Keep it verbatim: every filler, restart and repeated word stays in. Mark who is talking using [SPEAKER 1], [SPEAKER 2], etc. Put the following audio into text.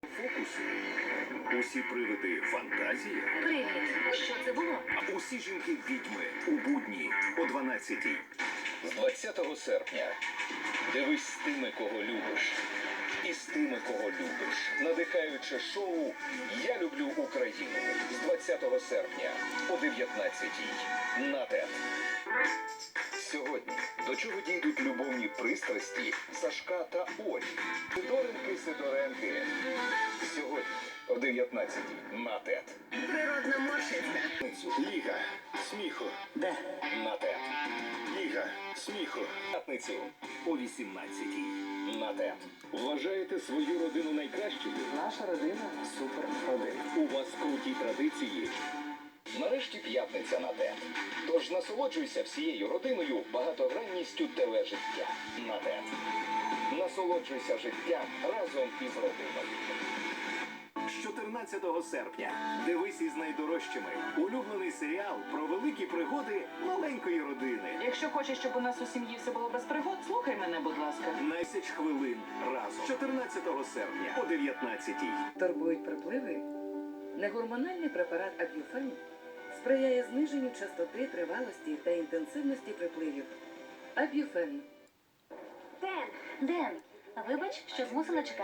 [SPEAKER 1] Фокуси. Усі привиди фантазії.
[SPEAKER 2] Привіт. Що це було?
[SPEAKER 1] Усі жінки відьми у будні о дванадцятій.
[SPEAKER 3] З двадцятого серпня дивись з тими, кого любиш. І з тими, кого любиш. Надихаюче шоу «Я люблю Україну» з двадцятого серпня о дев'ятнадцятій на ТЕТ. Сьогодні до чого дійдуть любовні пристрасті Сашка та Олі. Сидоренки, Сидоренки. Сьогодні о дев'ятнадцятій на ТЕТ.
[SPEAKER 2] Природна морщиця.
[SPEAKER 1] Ліга сміху.
[SPEAKER 2] Де?
[SPEAKER 3] На ТЕТ.
[SPEAKER 1] Ліга сміху.
[SPEAKER 3] П'ятницю
[SPEAKER 1] О вісімнадцятій.
[SPEAKER 3] на ТЕТ. Вважаєте свою родину найкращою?
[SPEAKER 4] Наша родина супер родина.
[SPEAKER 3] У вас круті традиції. Нарешті п'ятниця на ТЕТ. Тож насолоджуйся всією родиною багатогранністю тележиття на ТЕТ. Насолоджуйся життям разом із родиною.
[SPEAKER 1] З чотирнадцятого серпня дивись із найдорожчими. Улюблений серіал про великі пригоди маленької родини.
[SPEAKER 5] Якщо хочеш, щоб у нас у сім'ї все було без пригод, слухай мене, будь ласка.
[SPEAKER 1] Найсяч хвилин разом. чотирнадцятого серпня о дев'ятнадцятій.
[SPEAKER 6] Турбують припливи? Негормональний препарат Аб'юфен сприяє зниженню частоти, тривалості та інтенсивності припливів. Аб'юфен.
[SPEAKER 2] Ден, Ден, вибач, що змусила чекати.